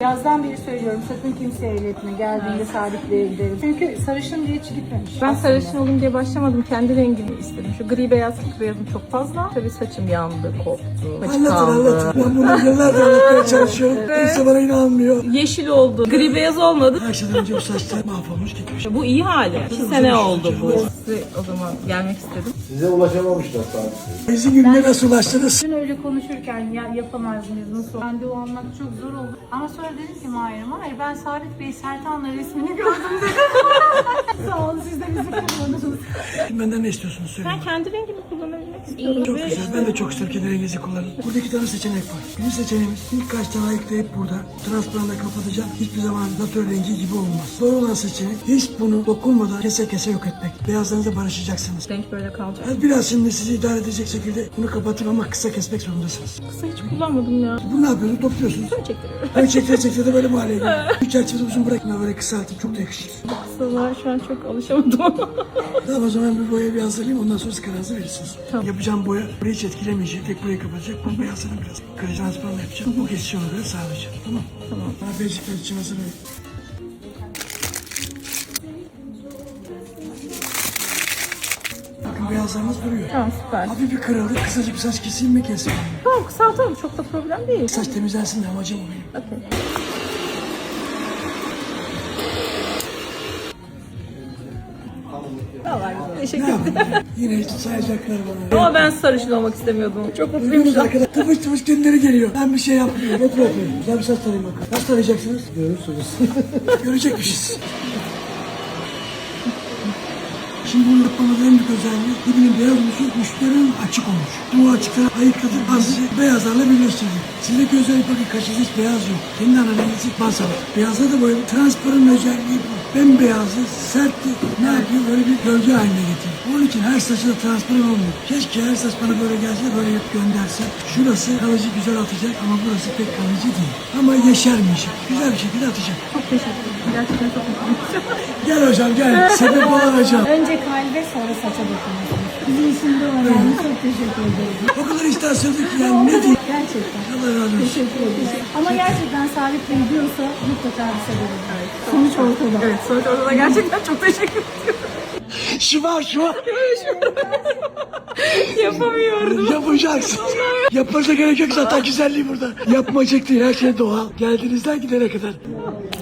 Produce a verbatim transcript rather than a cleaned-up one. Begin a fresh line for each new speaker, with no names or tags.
Yazdan beri söylüyorum, sakın kimseye iletme. Geldiğinde Salih Bey'e gidelim. Çünkü sarışın diye hiç gitmemiş.
Ben
aslında.
sarışın olayım diye başlamadım. Kendi rengimi istedim. Şu gri beyaz beyazım çok fazla. Tabii saçım yandı, koptu. Saçı
Anlatın
kaldı.
anlatın. Ben bunu yıllardır anlatmaya çalışıyorum. Kimse bana inanmıyor.
Yeşil oldu. Gri beyaz olmadı.
Her şeyden önce bu saçlar mahvolmuş gitmiş.
Bu iyi hali. İki sene oldu bu. Size o zaman gelmek istedim.
Size ulaşamamışlar sadece.
Bizi gününe nasıl ulaştınız?
Dün öyle konuşurken ya yapamaz mıyız, nasıl? Randevu almak çok zor oldu. Ama sonra dedim ki Mahir'e, Mahir ben Salih Bey Sertan'la resmini gördüm dedim. Sağ olun, siz de bizi kullanırız.
Benden ne istiyorsunuz söyleyin.
Ben kendi rengimi kullanabilmek istiyorum.
Çok
Ve
güzel. Ben de çok isterim kendi renginizi kullanın. Burada iki tane seçenek var. Birinci seçeneğimiz ilk kaç tane ayıklayıp burada transparanla kapatacağım. Hiçbir zaman natör rengi gibi olmaz. Doğru olan seçenek hiç bunu dokunmadan kese kese yok etmek. Beyazlarınızla barışacaksınız.
renk böyle kalacak.
Yani biraz şimdi sizi idare edecek şekilde bunu kapatın ama kısa kesmek zorundasınız.
Kısa hiç kullanmadım ya.
Bunu ne yapıyorsunuz? Topluyorsunuz.
Böyle çektiriyorum.
Böyle çektire çektire de böyle mu hale geliyor? Bir çerçevede uzun bırakma, böyle kısaltın. Çok da yakışır.
Kısalar şu an çok alışamadım ama.
Tamam, o zaman bir boya bir hazırlayayım. Ondan sonra siz kararınızı verirsiniz.
Tamam.
Yapacağım boya burayı hiç etkilemeyecek. Tek burayı kapatacak. Bu beyazlarını biraz kare transparanla yapacağım. Bu geçişi ona göre sağlayacağım. Tamam.
Tamam.
Bana beşikler için hazırlayın. Bakın beyazlarımız duruyor.
Tamam, süper.
Hafif bir kırıldı. Kısacık bir saç keseyim mi keseyim mi?
Tamam, kısaltalım. Çok da problem değil.
Saç temizlensin de amacım o benim.
Okey. Vallahi teşekkür
Ne
ederim.
yapayım? Yine sayacaklar bana.
Ama ben sarışın olmak istemiyordum. Çok mutluyum
Duydunuz
şu an.
arkadaşlar. Tıpış tıpış kendileri geliyor. Ben bir şey yapmıyorum. Otur otur. Güzel bir saç tarayayım bakalım. Nasıl tarayacaksınız?
Görürsünüz.
Görecekmişiz. Şimdi bunu yapmanın en büyük özelliği dibinin beyaz oluşu, uçların açık olmuş. Bu açıkları ayıkladık, azıcık beyazlarla birleştirdik. Sizdeki özellik bakın, kaşınızda hiç beyaz yok. Kendi analizi baz alır. Beyazda da böyle transparan özelliği bu. Bembeyazı, sertti, ne yapıyor? Böyle bir gölge haline getiriyor. Onun için her saçı da transparan olmuyor. Keşke her saç bana böyle gelse, böyle hep gönderse. Şurası kalıcı güzel atacak ama burası pek kalıcı değil. Ama yeşermeyecek. Güzel bir şekilde atacak.
Çok teşekkür ederim. Gerçekten çok mutluyum.
Gel hocam gel. Sebep olan hocam.
Önce kalbe, sonra saça dokunursunuz. Bizim için de var yani, çok teşekkür ederim.
O kadar iştah söyledik ki yani ne diyeyim.
Gerçekten.
Allah razı olsun.
Teşekkür ederim. Ama gerçekten Salih Bey diyorsa mutlaka bir sebebi var. Sonuç ortada.
Evet, sonuç ortada. Gerçekten çok teşekkür ediyorum.
Şıva şıva.
Yapamıyordum.
Yapacaksın. Yapmanıza gerek yok, zaten güzelliği burada. Yapmacık değil, her şey doğal. Geldiğinizden gidene kadar.